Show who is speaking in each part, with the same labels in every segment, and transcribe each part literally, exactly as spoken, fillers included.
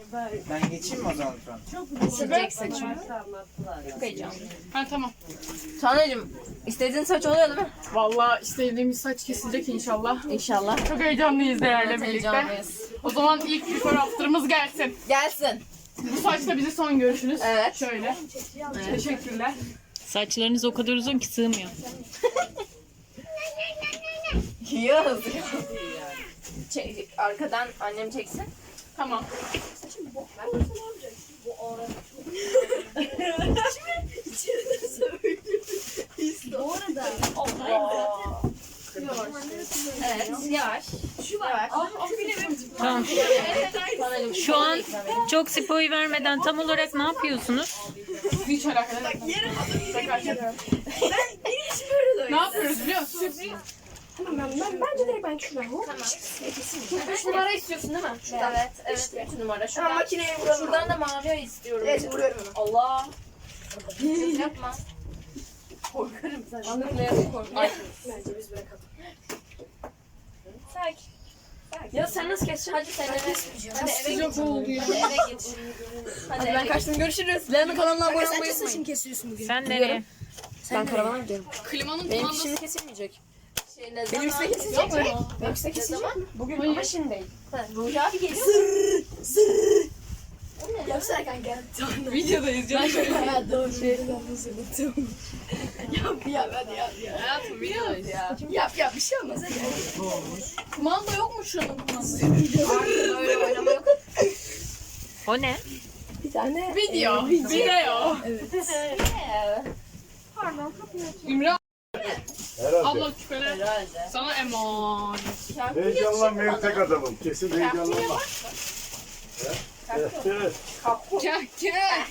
Speaker 1: Ben geçeyim mi o zaman şu an?
Speaker 2: Silecek saçımı. Çok heyecanlı.
Speaker 3: Ha tamam.
Speaker 2: Tanrıcığım, istediğin saç oluyor değil mi?
Speaker 3: Vallahi istediğimiz saç kesilecek inşallah.
Speaker 2: İnşallah.
Speaker 3: Çok heyecanlıyız değerle
Speaker 2: Evet,
Speaker 3: birlikte.
Speaker 2: heyecanlıyız.
Speaker 3: O zaman ilk before after'ımız gelsin.
Speaker 2: Gelsin.
Speaker 3: Bu saçla bizi son görüşünüz.
Speaker 2: Evet.
Speaker 3: Şöyle. Teşekkürler.
Speaker 4: Saçlarınız o kadar uzun ki sığmıyor.
Speaker 2: Yaz. Çek, arkadan annem çeksin.
Speaker 3: Tamam. Evet, yavaş. Şu var.
Speaker 4: Tamam. Şu an çok spoyu vermeden tam olarak ne yapıyorsunuz?
Speaker 3: Hiç alakalı. Bak yerim adamı. Ne yapıyoruz biliyor musun?
Speaker 5: Tamam ben, ben bence direkt ben şuradan hop.
Speaker 2: Tamam. Üç numara istiyorsun değil mi? Evet, evet. Üç numara. Şuradan, makineye vuralım. Şuradan da mavi istiyorum.
Speaker 5: Evet vuruyorum onu.
Speaker 2: Allah. Yapma. Korkarım sen. Anlıklayalım korkarım.
Speaker 5: Bence biz bırakalım.
Speaker 2: Sakin. Ya sen nasıl keseceksin? Hadi sen eve. Hadi eve git.
Speaker 3: Sıcak oldu ya.
Speaker 2: Hadi eve git. Hadi ben kaçtım. Görüşürüz. Leğen'in kanalına abone olmayı
Speaker 5: Sen
Speaker 2: unutmayın.
Speaker 5: saçını kesiyorsun bugün.
Speaker 4: Sen nereye?
Speaker 5: Ben karavana gidiyorum.
Speaker 3: Klimanın
Speaker 5: Benim
Speaker 3: kumandası.
Speaker 5: şimdi kesilmeyecek.
Speaker 2: Şey, ne
Speaker 5: Benim
Speaker 2: zaman?
Speaker 5: üstüne kesilecek mi?
Speaker 3: Yapma.
Speaker 5: Benim üstüne kesilecek mi? Bugün
Speaker 3: Hayır.
Speaker 5: ama şimdi değil.
Speaker 2: Ruhi abi geliyor mu?
Speaker 5: Yapsana kanka.
Speaker 3: Videodayız canım.
Speaker 5: Ha doğru. Ben nasıl unuttum. Yap yap hadi yap ya.
Speaker 3: Hayatım videodayız ya.
Speaker 5: Yap yap bir şey olmaz hadi.
Speaker 3: Kumanda yok mu şunun kumandası?
Speaker 2: Artık öyle oynama yok.
Speaker 4: O ne?
Speaker 5: Bir tane.
Speaker 3: Video. Video. İmran
Speaker 6: Herhalde.
Speaker 3: abla küpeler.
Speaker 2: Herhalde.
Speaker 3: Sana emanet.
Speaker 6: Heyecanlanmayan tek adamım. Kesin heyecanlanma. Evet. Evet.
Speaker 3: Gel gel.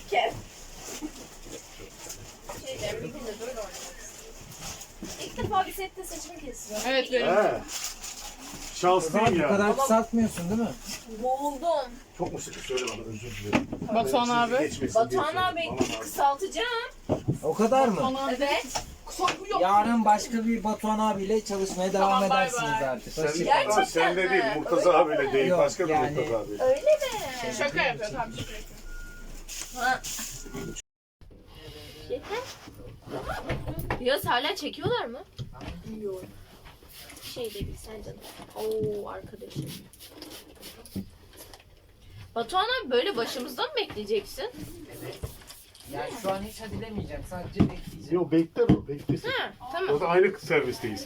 Speaker 2: Şeyler bir günde böyle oynamak. İlk defa bir sette saçımı kesiyorum.
Speaker 3: Evet benim.
Speaker 6: He. Şanslıyım
Speaker 1: Bu
Speaker 6: ya.
Speaker 1: kadar kısaltmıyorsun değil mi?
Speaker 2: Boğuldum.
Speaker 6: Çok mu sıkı söyle bana, özür dilerim.
Speaker 3: Batuhan abi.
Speaker 6: Geçmesin diye
Speaker 2: Batuhan abi
Speaker 6: söyledim. Aman abi.
Speaker 2: kısaltacağım.
Speaker 1: O kadar mı?
Speaker 3: Bana
Speaker 2: Evet.
Speaker 3: kısa bu yok.
Speaker 1: Yarın başka bir Batuhan abiyle çalışmaya devam
Speaker 3: Tamam, bay
Speaker 1: edersiniz
Speaker 3: bay.
Speaker 1: artık.
Speaker 6: Sen,
Speaker 1: Hoşçakalın.
Speaker 2: Gerçekten
Speaker 6: ha, sen de
Speaker 2: mi?
Speaker 6: değil, Murtaza abiyle değil.
Speaker 1: Yok,
Speaker 6: Başka bir
Speaker 1: yani-
Speaker 6: Murtaza abi.
Speaker 2: Öyle mi?
Speaker 3: Şaka yapıyor tamam şaka yapıyor.
Speaker 2: Ha. Yeter. Yaz hala çekiyorlar mı? Bilmiyorum. Şey değil sen canım. Oo arkadaşım. Batuhan abi böyle başımızda mı bekleyeceksin?
Speaker 1: Yani şu an hiç hadi demeyeceğim. Sadece bekleyeceğim.
Speaker 6: Yok bekler o, beklesin.
Speaker 2: Ha tamam.
Speaker 6: O da aynı servisteyiz.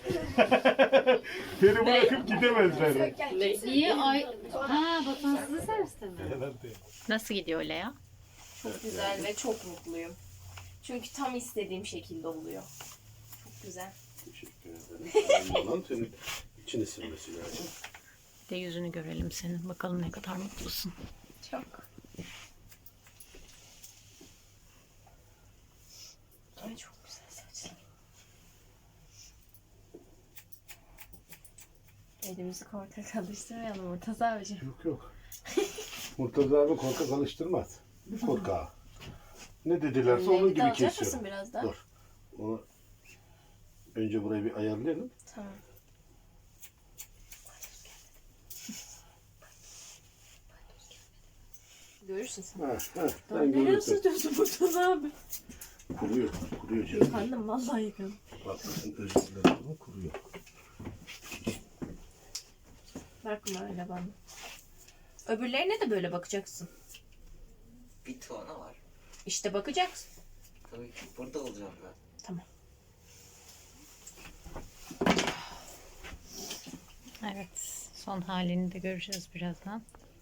Speaker 6: Beni bırakıp gidemezler.
Speaker 4: Niye ay... Ha Batuhan sizi serviste mi?
Speaker 6: Herhalde.
Speaker 4: Nasıl gidiyor Lea?
Speaker 2: Çok güzel ve çok mutluyum. Çünkü tam istediğim şekilde oluyor. Çok güzel.
Speaker 6: Teşekkür ederim. Lan senin içini silmesi lazım.
Speaker 4: De yüzünü görelim senin. Bakalım ne kadar mutlusun.
Speaker 2: Çok. Ay çok güzel saçlar. Elimizi korkak alıştırmayalım Murtaza abicim.
Speaker 6: Yok yok. Murtaza abi korkak alıştırmaz. Korkağı. Ne dedilerse onun
Speaker 2: Rengi de
Speaker 6: gibi
Speaker 2: alacak
Speaker 6: kesiyorum.
Speaker 2: mısın biraz daha?
Speaker 6: Dur. Onu önce burayı bir ayarlayalım.
Speaker 2: Tamam. Görürsün sen.
Speaker 6: Ha, ha, sen
Speaker 2: Nereye
Speaker 6: görürsün.
Speaker 2: sürtüyorsun Murtaza abi?
Speaker 6: Kuruyor, kuruyor canım.
Speaker 2: Yıkandım vallahi yıkandım.
Speaker 6: Bak bakın özür dilerim ama kuruyor.
Speaker 2: Bakma öyle bana. Öbürlerine de böyle bakacaksın.
Speaker 7: Bir tane var.
Speaker 2: İşte bakacaksın.
Speaker 7: Tabii ki burada olacağım ben.
Speaker 2: Tamam.
Speaker 4: Evet. Son halini de göreceğiz birazdan.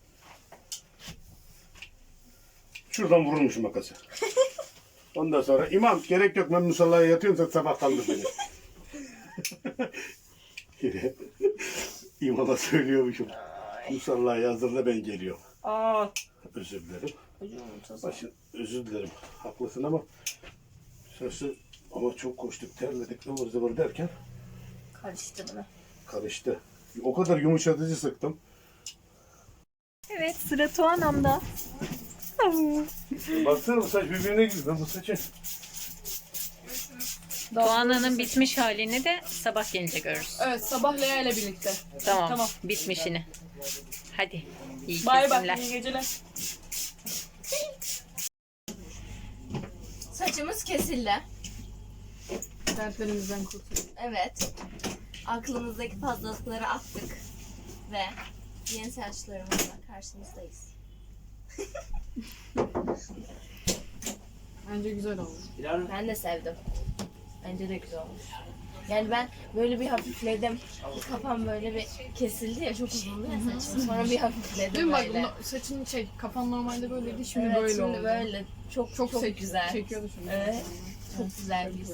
Speaker 6: Şuradan vurulmuş makası. Ondan sonra imam gerek yok ben musallaya yatıyorum sen sabah kaldır beni. Yine imama söylüyormuşum. Musallaya hazırla ben geliyorum.
Speaker 2: Aa.
Speaker 6: Özür dilerim.
Speaker 2: Hocam Murtaza.
Speaker 6: Başın, özür dilerim. Haklısın ama sırası ama çok koştuk, terledik, ıvır zıvır derken
Speaker 2: Karıştı bana.
Speaker 6: karıştı. O kadar yumuşatıcı sıktım.
Speaker 4: Evet sıra Tuanam'da.
Speaker 6: Baksana bu saç birbirine girdi. Ben bu saçı
Speaker 4: Tuana'nın bitmiş halini de sabah gelince görürüz.
Speaker 3: Evet sabah Lea ile birlikte.
Speaker 4: Tamam.
Speaker 3: Tamam.
Speaker 4: Bitmişini. Hadi. İyi
Speaker 3: Bay bay.
Speaker 4: kesimler.
Speaker 3: İyi geceler.
Speaker 2: Saçımız kesildi.
Speaker 5: Dertlerimizden kurtulduk.
Speaker 2: Evet. Aklımızdaki fazlalıkları attık. Ve yeni saçlarımızla karşınızdayız.
Speaker 5: Bence güzel oldu.
Speaker 2: Ben de sevdim. Bence de güzel olmuş. Yani ben böyle bir hafifledim. Kafam böyle bir kesildi ya, çok uzundu ya saçım. Sonra bir
Speaker 5: Değil
Speaker 2: hafifledim
Speaker 5: mi? Bak
Speaker 2: böyle.
Speaker 5: no- saçın şey kafan normalde böyleydi, şimdi
Speaker 2: Evet,
Speaker 5: böyle
Speaker 2: şimdi
Speaker 5: oldu.
Speaker 2: böyle. Çok çok,
Speaker 5: Çok, sek-
Speaker 2: güzel.
Speaker 5: Çekiyordu şimdi.
Speaker 2: Evet. Çok güzel bir his.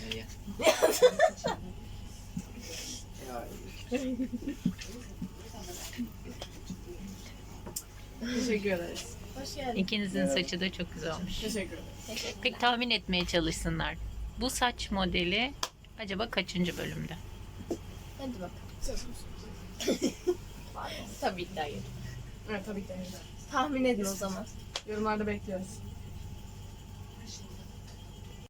Speaker 5: Teşekkür ederiz.
Speaker 2: Hoş geldin.
Speaker 4: İkinizin saçı da çok güzel olmuş.
Speaker 5: Teşekkür ederiz.
Speaker 4: Pek tahmin etmeye çalışsınlar. Bu saç modeli acaba kaçıncı bölümde?
Speaker 2: Hadi bakalım. Tabii ki de hayır.
Speaker 5: Evet tabii ki de.
Speaker 2: Tahmin edin o zaman.
Speaker 5: Yorumlarda bekliyoruz.